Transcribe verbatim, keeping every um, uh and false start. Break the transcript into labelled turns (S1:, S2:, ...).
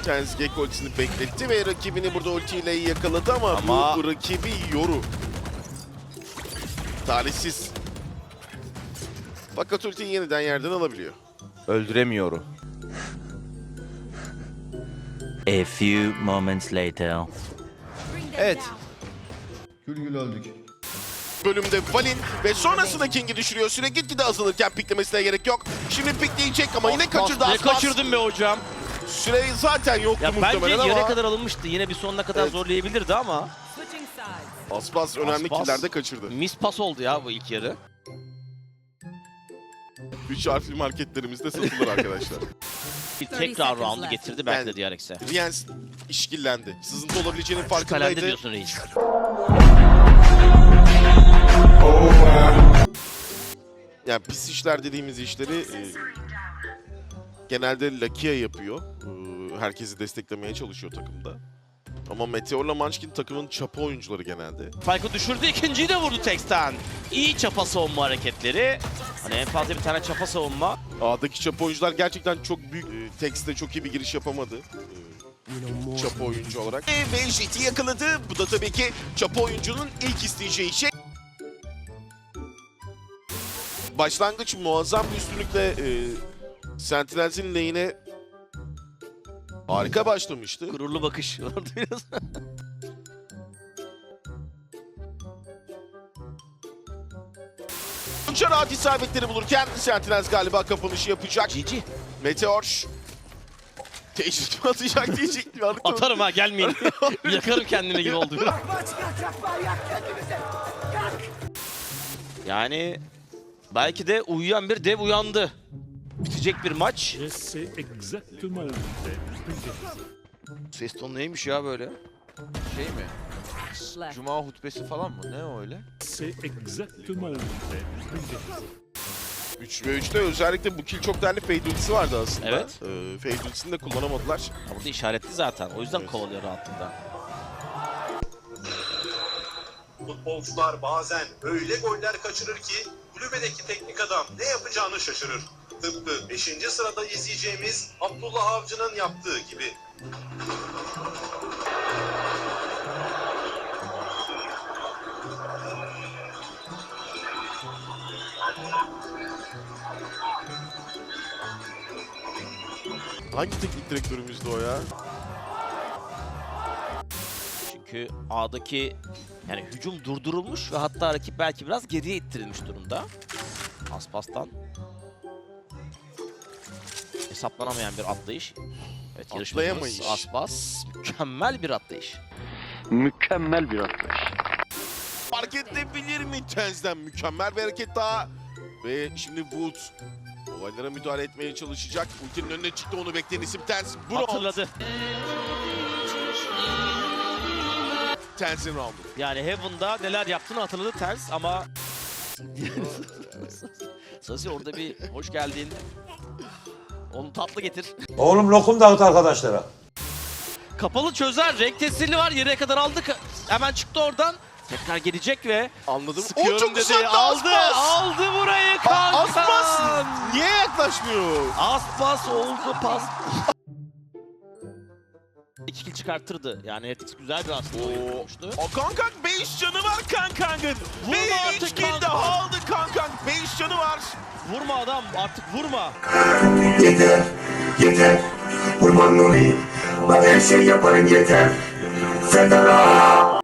S1: Tens Gekko ultisini bekletti ve rakibini burada ultiyle yakaladı ama,
S2: ama...
S1: bu rakibi Yoru. Talihsiz. Fakat ultiyi yeniden yerden alabiliyor.
S2: Öldüremiyor.
S3: A few moments later.
S2: Evet.
S4: Gül gül öldük.
S1: Bölümde Valin ve sonrasında King'i düşürüyor. Süre gitgide azalırken piklemesine gerek yok. Şimdi pikleyecek ama yine kaçırdı
S2: Ne
S1: Aspas.
S2: kaçırdın be hocam?
S1: Süre zaten yoktu
S2: Ya bence
S1: muhtemelen ama.
S2: yere kadar alınmıştı. Yine bir sonuna kadar
S1: Evet.
S2: zorlayabilirdi ama.
S1: Aspas önemli
S2: Aspas
S1: killerde kaçırdı.
S2: Mis pas oldu ya bu ilk yarı.
S1: Üç harfli marketlerimizde satılır arkadaşlar.
S2: Bir tekrar round'u getirdi belki de D R X'e.
S1: Riens işkillendi. Sızıntı olabileceğinin
S2: Kalende
S1: farkındaydı.
S2: diyorsun reis.
S1: Yani pis işler dediğimiz işleri e, genelde Lakia yapıyor. E, herkesi desteklemeye çalışıyor takımda. Ama Meteor'la Munchkin takımın çapa oyuncuları genelde.
S2: Spike'ı düşürdü, ikinciyi de vurdu Tex'ten. İyi çapa savunma hareketleri. Hani en fazla bir tane çapa savunma.
S1: A'daki çapa oyuncular gerçekten çok büyük. E, Tex'te çok iyi bir giriş yapamadı. E, çapa oyuncu olarak. E, ve Jet'i yakaladı. Bu da tabii ki çapa oyuncunun ilk isteyeceği şey. Başlangıç muazzam bir üstünlükle e, Sentinels'in lane'e harika başlamıştı.
S2: Gururlu bakış.
S1: Çok rahat isabetleri bulurken Sentinels galiba kapanışı yapacak.
S2: G G.
S1: Meteor teşvik mi atacak diyecektim.
S2: Atarım ha, gelmeyin. Yakarım kendime gibi oldu. Yani belki de uyuyan bir dev uyandı. Bitecek bir maç. Ses tonu neymiş ya böyle?
S5: Şey mi? Cuma hutbesi falan mı? Ne öyle?
S1: üç ve üçte özellikle bu kill çok değerli fade ultisi vardı aslında.
S2: Evet.
S1: Ee, fade ultisini de kullanamadılar.
S2: Ha, burada işaretli zaten. O yüzden
S1: Evet.
S2: kovalıyor rahatlıkla.
S6: Futbolcular bazen öyle goller kaçırır ki kulübedeki teknik adam ne yapacağını şaşırır. Tıpkı beşinci sırada izleyeceğimiz Abdullah Avcı'nın yaptığı gibi.
S1: Hangi teknik direktörümüzdü o ya?
S2: Çünkü A'daki yani hücum durdurulmuş ve hatta rakip belki biraz geriye ittirilmiş durumda. Aspas'tan hesaplanamayan bir atlayış. Evet, yarışmacımız
S1: Atlayamayış.
S2: Aspas mükemmel bir atlayış.
S3: Mükemmel bir atlayış.
S1: Fark edebilir mi Tens'den? Mükemmel bir hareket daha. Ve şimdi Wood olaylara müdahale etmeye çalışacak. Ultinin önüne çıktı, onu bekleyen isim Tens. Bu round
S2: Hatırladı.
S1: Tens'in roundu.
S2: Yani Heaven'da neler yaptığını hatırladı Ters ama Sasi orada bir hoş geldin. Onu tatlı getir.
S7: Oğlum lokum dağıt arkadaşlara.
S2: Kapalı çözer. Renk tesirli var. Yere kadar aldık. Hemen çıktı oradan. Tekrar gelecek ve
S1: Anladım.
S2: sıkıyorum
S1: O çok
S2: dedi.
S1: uzaktı,
S2: Aldı.
S1: Aspas.
S2: Aldı burayı kanka.
S1: Aspas niye yaklaşmıyor?
S2: Aspas oldu pas. İki kill çıkartırdı. Yani Heretics güzel bir aslında oyun kurmuştu.
S1: O Kankang beş canı var Kankang'ın.
S2: Vurma
S1: Ve
S2: artık
S1: üç kill
S2: Kankang.
S1: daha aldı Kankang. beş canı var.
S2: Vurma adam, artık vurma.
S8: Yeter, yeter. Kurban olayım. Bak her şey yaparım yeter. Federa.